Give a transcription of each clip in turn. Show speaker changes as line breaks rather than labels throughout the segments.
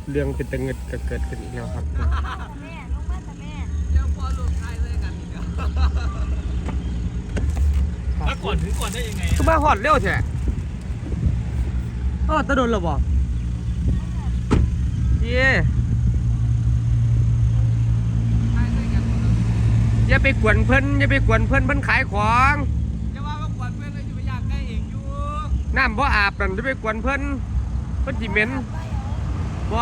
เรื่องเป็นตะเงิดก็เกิดขึ้นอีกแล้วครับ
แม่ลงมาแต่แม่เดี๋ยวพอลูกชายเลยกันอีก
แล้วก่อนถึงก่อนได้ยังไง
คือมาหอดเร็วแท้ตะโดนหรอบ่เย่อย่าไปกวนเพิ่นอย่าไปกวนเพิ่นเพิ่นขายของ
จะว่าว่ากวนเพื่อนเลยจะไปอยากได้เองอยู่
น้ำบ่อาบนั่นจะไปกวนเพิ่นสิเหม็นบ่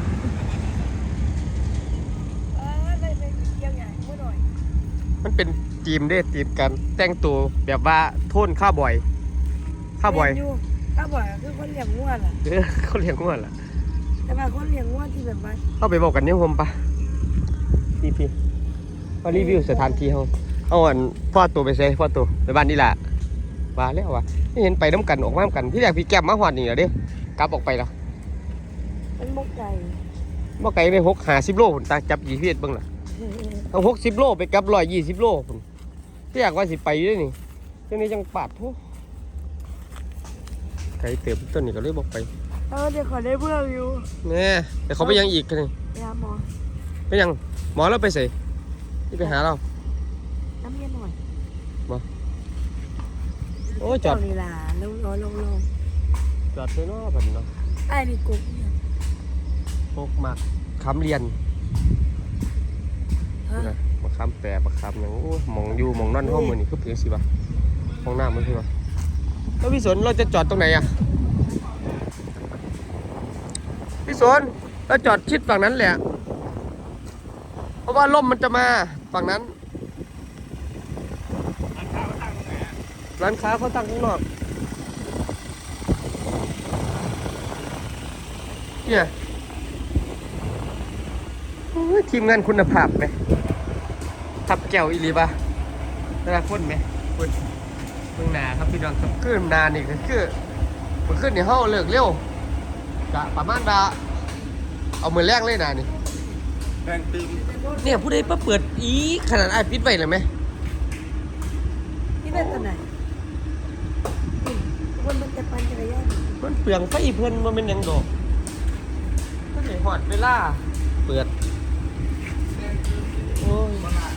เลยไปเกี่ยวใหญ่เมื่อหน่อย
มันเป็นทีมเด้ทีมกันแต่งตัวแบบว่าโทนข้าวบ่อย
ข้าวบ่อยคือคนเลี้ยงวัวล่ะ
เขาเลี้ยงงัวล่ะ
แต่ว่าคนเลี้ยงวัวที่แบบว่า
เข้าไปบอกกันยังผมปะพี่มารีวิวสถานที่เอาอันพ่อตัวไปใส่พ่อตัวไปบ้านนี่แหละมาแล้ววะไม่เห็นไปน้ำกันออกมาน้ำกันพี่แรกพี่แก้มมาหอดนี่เหรอเด้กลับออกไปแล้ว
เป็นบกไก่
ไป60 โลผมตาจับยี่พี่เบิ้งล่ะเอา60 โลไปกับ120 โลผมพี่อยากว่าสิไปด้วยนี่เจ้านี้จังปาดทุกไก่เติบต้นนี่ก็เลยบอกไป
เดี๋ยวขอได้เพื่อนอยู่
เนี่ยแต่เขาไปยังอีกกันนี่
ไปหาหมอ
ไปยังหมอแล้วไปใส่ที่ไปหาเรา
น้ำเย็นหน่อย
โอ้จอด
นี่ล่ะลง
จอดเลยเนาะแบบนี้เนาะ
ไอ้นี่กุ๊ก
พกมาค้ำเรียนนะมาค้ำแปรมาค้ำอย่างโอ้มองอยู่มองนั่นห้องมือนี่คือเพียงสิบะห้องหน้ามันคือวะแล้วพี่สนเราจะจอดตรงไหนอ่ะพี่สนเราจอดชิดฝั่งนั้นแหละเพราะว่าลมมันจะมาฝั่งนั้นร้านค้าเขาตั้งข้างนอกเนี่ยทีมงานคุณภาพไหมทับแก้วอีหลีปะแต่ละคนไหมคนเมืองนาครับพี่น้องครับขึ้นนานี่คือมันขึ้นในห้องเลิกเร็วกะประมาณเอามือแรกเลยนานี่
แรงตึม
เนี่ยผู้ใดมาเปิดอีขนาดไอ้ปิดไว้เลยไหม
นี่เป็นตัวไหนคนมันจะปั่นจักรยาน
มันเปลืองไฟเพิ่นมันเป็นยังดอกก็เลยหอดเวลาเปิดโอ้ย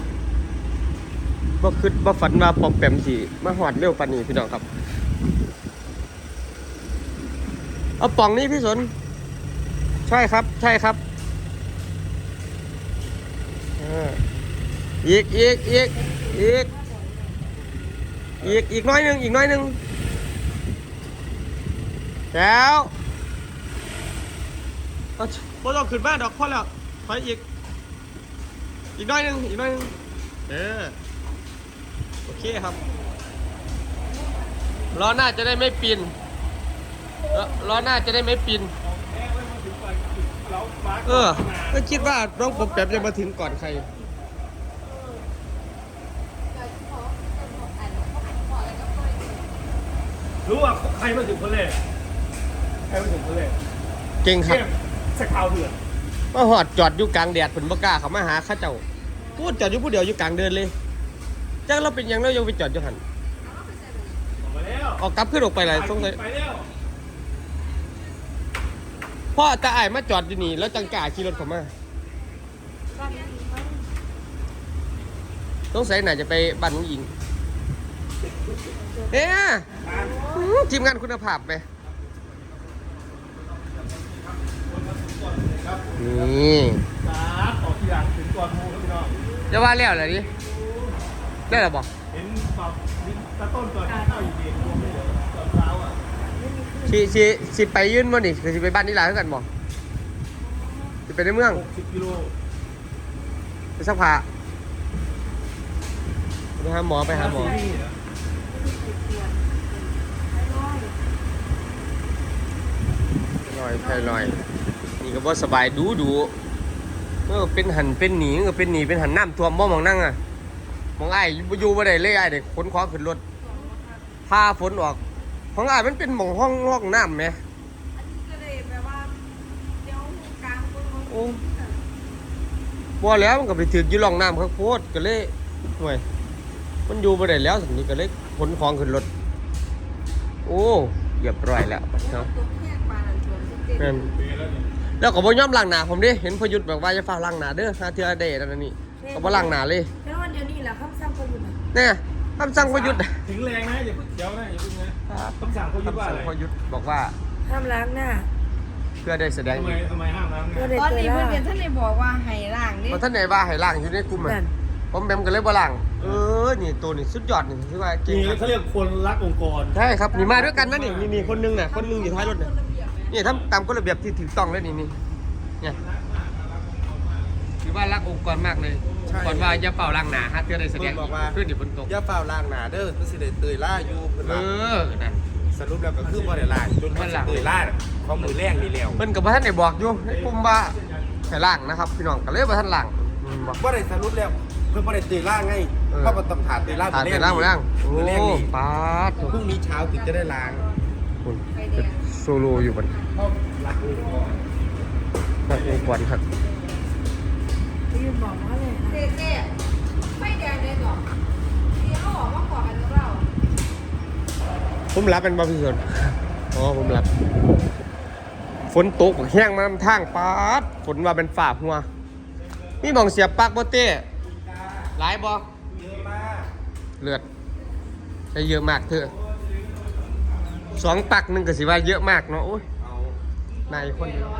บ่ฝันว่าปอมแปมสิมาหอดเร็วปานนี้พี่น้องครับเอาป่องนี้พี่สนใช่ครับอีกน้อยหนึ่งแล้วบ่ต้องขึ้นมาดอกพอแล้วไปอีกน้อยหนึ่งโอเคครับล้อหน้าจะได้ไม่ปีนก็คิดว่าน้องผมแป๊บจะมาถึงก่อนใคร
รู้ว่าใครมาถึงคนแรก
เก่งครับ
สกาวเถื่อน
มาหอดจอดอยู่กลางแดดผลบ่กล้าเขามาหาข้าเจ้าพูดจอดอยู่ผู้เดียวอยู่กลางเดินเลยจังเราเป็นยังเรายังไปจอดอยู่หันออกกลับขึ้นออกไปเลยต้องเลยพ่อตาอ้ายมาจอดอยู่นี่แล้วจังกล้าขี่รถเขามาต้องใส่ไหนจะไปบ้านน้องหญิงทีมงานคุณภาพไหมนี่
ออกทีหลังถึงก่อนมูครับพี่น้อง
จะว่าแล้วอะไรดิได้หรอบอก
เห็นแบบตะต้นก่อนเข้าอยู่ดีรวมไม่เหลือตอนเช้าอ่ะ
สิไปยื่นบ่นี่คือสิไปบ้านนี่หลายเท่ากันบ่สิไปในเมือง
60 กิโล
ไปสักผ้าไปหาหมอลอยนี่ก็บ่สบายดูเป็นหันเป็นหนีเป็นหันน้ำท่วมบ่มองนั่งอ่ะมองไอ้อยู่บ่ได้เลยไอ้เด็กขนของขึ้นรถพาฝนออกของไอ้มันเป็นหม่องห้องน้ำไหมโอ้บ่แล้วมันก็ไปถึกอยู่ร่องน้ำข้างโพดก็เลยห่วยมันอยู่บ่ได้แล้วสักนี้ก็เลยขนของขึ้นรถโอ้เรียบร้อยแล้วเนาะแล้วก็บ่ยอมล้างหน้าผมดิเห็นพยุทธ์แบบว่าจะฟ้าล้างหน้าเด้อหาเทื่อเด้นั่นนี่ก็บ่ล้างหน้าเลย
แค่วันเดียวนี่แหละคำสั่งคนอยู่นะ
เนี่ยคำสั่งพยุทธ์
ถึงแรงนะอย่าเพิ่งเดี๋ยวนะอย่าเพิ่งนะคำสั่งเขายึดว่าอะไร
คำสั่งพยุทธ์บอกว่า
ห้ามล้างหน้า
เพื่อได้แสดง
ทำไมห้ามล้าง
เพื่อ
เนี่ย
ได้
ตอน
เจอ
นี้เพื่
ล่า
อนท่านเลยบอกว่าให้ล้างนี่
บ่ทันได้ว่าให้ล้างอยู่ในกลุ่มอ่ะ
นั่น
ผมแบมก็เลยบ่ล้างนี่ตัวนี่สุดยอดนี่คือว่าเก่ง
นี่
ครับ
เขาเรียกคนรักองค์กร
ใช่ครับนี่มาด้วยกันนะนี่คนนึงน่ะคนนึงอยู่ท้ายรถน่ะนี่ทำตามกฎระเบียบที่ถูกต้องแล้วนี่เนี่ยถือว่ารักองค์กรมากเลยก่อนว่าอย่าเป่าล้างหน้าฮะเพื่อได้แสดงขึ้นอยู่บนตก
อย่าเฝ้าล่างหนาเด้อมันสิได้เตยล่าอยู่เพิ่นว่า
นั่น
สรุปแล้วก็คือบ่ได้ล่างจนมันสิเตยล่าของมือแรงนี่แล้ว
เพิ่นกับท่านได้บอกอยู่ในกลุ่มว่าให้ล้างนะครับพี่น้องก็เลยบ่ทันล้างบอก
บ่ได้สรุปแล้วเพิ่นบ่ได้เตยล่าไงเพราะว่าต้องถาเตยล่า
ทานไปล้างหมดล้างโอ้
มือแรงนี่
ปาด
พรุ่งนี้เช้าถึงจะได้ล้าง
คุณเป็นโซโลอยู่บน
เพราะรักองค์กร
นักองค์กรครับ
พี่ยืนบอกว่าเลยนะ
เจ๊ไม่แดงเลยหรอกที่เขาบอกว่าขอกันกับเรา
ผมรับเป็นบาพิชนอ๋อผมรับฝนตกแห้งมานำทางปาดฝนว่าเป็นฝ่าหัวมีหมองเสียบปลักบ่เต้หลายบ่เลือดใช้เยอะมากเถอะ2 ปักหนึงก็สิว่าเยอะมากเนาะโอ้ยนายคนเดียว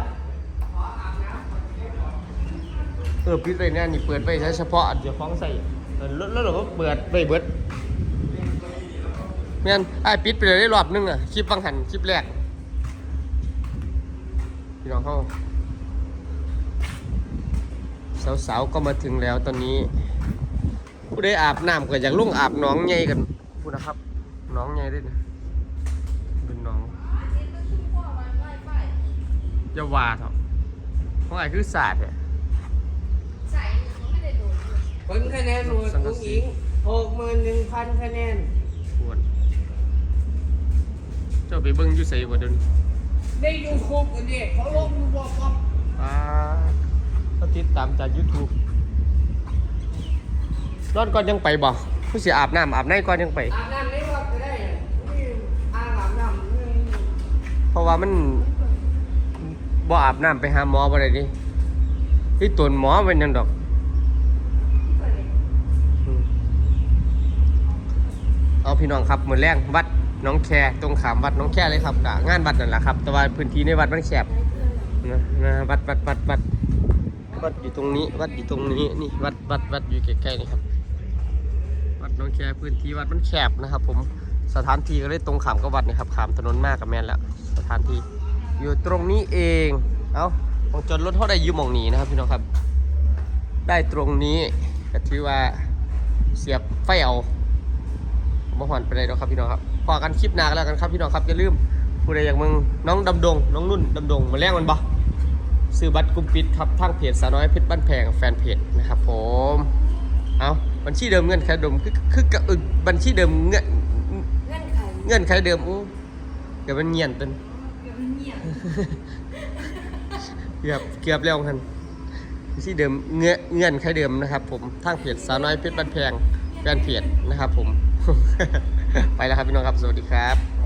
ปิดไว้เนี่ยนี่เปิดไว้ใช้เฉพาะเดี๋ยวฟ้องใส่แล้วเราก็เปิดไว้เบิดแม่นไอ้ปิดไปเลยได้รอบนึงอ่ะคลิปบางหันคลิปแรกพี่น้องเขาสาวๆก็มาถึงแล้วตอนนี้ผู้ได้อาบน้ำก็อยากลงอาบหน้องใหญ่กันพูดนะครับหน้องใหญ่ด้วยนะเป็นหน้องอย่าว่าเถอะเพราะไอ้คือศาสตร์เนี่ย
ใส่ไม่ได้โดน
ผลคะแนนโหวตอุ้งอิง 61,000 คะแนน
ควรเจ้าไปเบิ้งอยู่ใส่บ่เดิน
ได้ยูทูบกันดิเขาลงบอกครับ
ก็ติดตามจาก YouTube นอนก่อนยังไปบ่ผู้เสียอาบน้ำอาบในก่อนยังไป
อาบน้ำในวัดก็ได้นี่อ่างอาบน้ำนี่
เพราะว่ามันบ่อาบน้ำไปหาหมอบ่ได้ดิที่ตนหมอเป็นหยังดอกเอาพี่น้องครับมื้อแรงวัดหน้องแคตรงขามวัดหน้องแคเลยครับกะงานวัดนั่นแหละครับ แต่ว่าพื้นที่ในวัดมันแคบนะวัดอยู่ตรงนี้วัดอยู่ตรงนี้นี่วัดอยู่ใกล้ๆนี่ครับวัดหน้องแคพื้นที่วัดมันแคบนะครับ ผมสถานที่ก็เลยตรงขามกับวัดนะครับขามถนนมากกับแม่นแล้วสถานที่อยู่ตรงนี้เองเอาของจนรถเท่าได้ยืมหม่องนี้นะครับพี่น้องครับได้ตรงนี้ก็ถือว่าเสียบไฟเอาบ่หอนไปเลยเนาะครับพี่น้องครับพอกันคลิปหน้ากันแล้วกันครับพี่น้องครับอย่าลืมผู้ใดอยากมึงน้องดำดงน้องนุ่นดำดงมาแลกมันบ่ซื้อบัตรกลุ่มปิดครับทางเพจสาวน้อยเพชรบ้านแพงแฟนเพจนะครับผมเอาบัญชีเดิมเงื่อนไขเดิมคือบัญชีเดิมเงื่อนไขเดิมเดี๋ยวมันเงียนเป็นเกือบแล้วกันบัญชีเดิมเงื่อนไขเดิมนะครับผมทางเพจสาวน้อยเพชรบ้านแพงแฟนเพจนะครับผม ไปแล้วครับพี่น้องครับสวัสดีครับ